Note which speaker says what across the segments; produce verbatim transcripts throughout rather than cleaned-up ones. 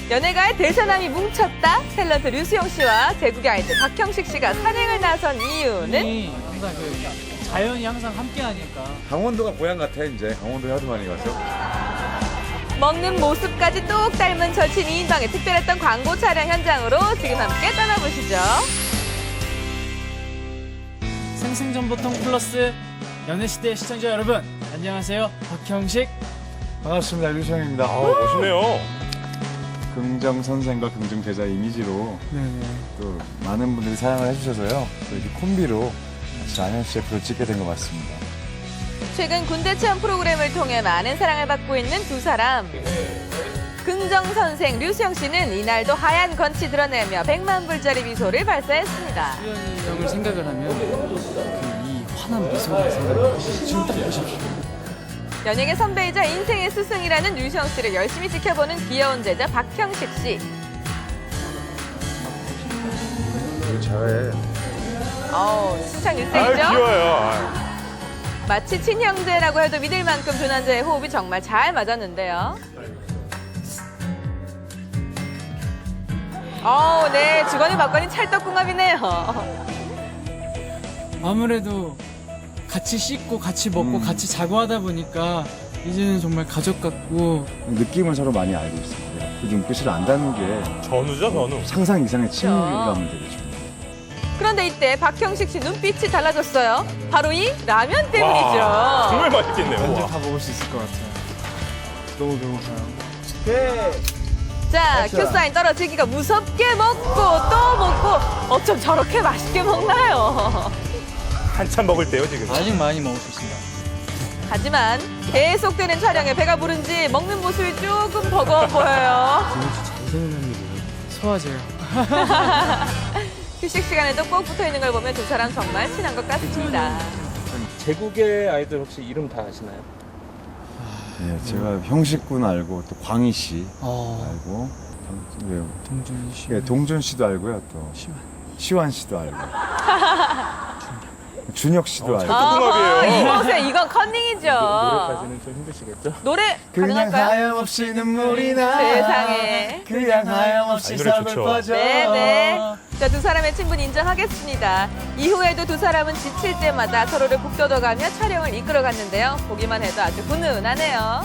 Speaker 1: 연예가의 대사남이 뭉쳤다. 탤런트 류수영 씨와 제국의 아이들 박형식 씨가 산행을 나선 이유는
Speaker 2: 이 항상 그 자연이 항상 함께하니까.
Speaker 3: 강원도가 고향 같아 이제. 강원도에 하도 많이 가서.
Speaker 1: 먹는 모습까지 똑 닮은 절친 이인방의 특별했던 광고 촬영 현장으로 지금 함께 떠나보시죠.
Speaker 2: 생생정보통 플러스 연애시대 시청자 여러분, 안녕하세요. 박형식.
Speaker 3: 반갑습니다. 류시영입니다.
Speaker 4: 아, 멋있네요.
Speaker 3: 긍정 선생과 긍정 제자 이미지로
Speaker 2: 네네.
Speaker 3: 또 많은 분들이 사랑을 해주셔서요. 또 이렇게 콤비로 같이 안현 씨에프를 찍게 된 것 같습니다.
Speaker 1: 최근 군대 체험 프로그램을 통해 많은 사랑을 받고 있는 두 사람. 긍정 선생 류수영 씨는 이날도 하얀 건치 드러내며 백만 불짜리 미소를 발사했습니다.
Speaker 2: 수현이 형을 생각을 하면 그 이 환한 미소가 생각나요. 지금 딱 보십시오.
Speaker 1: 연예계 선배이자 인생의 스승이라는 류수영 씨를 열심히 지켜보는 귀여운 제자 박형식 씨.
Speaker 3: 되게 잘해.
Speaker 1: 어우, 신창
Speaker 4: 아,
Speaker 1: 일생이죠?
Speaker 4: 귀여워요. 아유.
Speaker 1: 마치 친형제라고 해도 믿을 만큼 두 남자의 호흡이 정말 잘 맞았는데요. 어우, 네, 주거니 받거니 찰떡궁합이네요.
Speaker 2: 아무래도 같이 씻고 같이 먹고
Speaker 3: 음.
Speaker 2: 같이 자고 하다 보니까 이제는 정말 가족 같고.
Speaker 3: 느낌을 서로 많이 알고 있습니다. 그 눈빛을 안다는 게
Speaker 4: 전우죠, 전우.
Speaker 3: 상상 이상의 친밀감을 되게 줍니다.
Speaker 1: 그런데 이때 박형식 씨 눈빛이 달라졌어요. 바로 이 라면
Speaker 4: 와,
Speaker 1: 때문이죠.
Speaker 4: 정말 맛있겠네요.
Speaker 2: 언제
Speaker 4: 와.
Speaker 2: 다 먹을 수 있을 것 같아요. 너무 배고파요.
Speaker 1: 자,
Speaker 3: 맞아.
Speaker 1: 큐사인 떨어지기가 무섭게 먹고 또 먹고 어쩜 저렇게 맛있게 먹나요?
Speaker 4: 한참 먹을 때요, 지금.
Speaker 2: 아직 많이 먹을 수 있습니다.
Speaker 1: 하지만 계속되는 촬영에 배가 부른지 먹는 모습이 조금 버거워 보여요.
Speaker 2: 소화제요.
Speaker 1: 휴식 시간에도 꼭 붙어 있는 걸 보면 두 사람 정말 친한 것 같습니다.
Speaker 5: 제국의 아이들 혹시 이름 다 아시나요?
Speaker 3: 네, 제가 형식군 알고 또 광희 씨
Speaker 2: 어,
Speaker 3: 알고 왜요?
Speaker 2: 동준 씨.
Speaker 3: 예, 동준 씨도 알고요. 또
Speaker 2: 시원.
Speaker 3: 시완 씨도 알고. 준혁 씨도 알고.
Speaker 4: 찰떡궁합이에요.
Speaker 1: 아, 이곳에 이건 컨닝이죠.
Speaker 5: 노래까지는 좀 힘드시겠죠?
Speaker 1: 노래 가능할까요?
Speaker 3: 하염없이 눈물이 나.
Speaker 1: 세상에.
Speaker 3: 그냥 하염없이
Speaker 4: 아, 이 노래 좋죠.
Speaker 3: 서글퍼져.
Speaker 1: 네네. 자, 두 사람의 친분 인정하겠습니다. 이후에도 두 사람은 지칠 때마다 서로를 북돋아가며 촬영을 이끌어갔는데요. 보기만 해도 아주 훈훈하네요.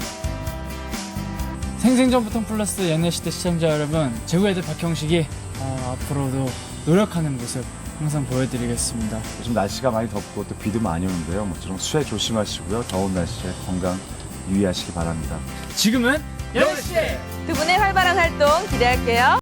Speaker 2: 생생정보통 플러스 연애시대 시청자 여러분, 제국의 아이들 박형식이 어, 앞으로도 노력하는 모습 항상 보여드리겠습니다.
Speaker 3: 요즘 날씨가 많이 덥고 또 비도 많이 오는데요. 모처럼 수해 조심하시고요. 더운 날씨에 건강 유의하시기 바랍니다.
Speaker 2: 지금은 연애시대!
Speaker 1: 두 분의 활발한 활동 기대할게요.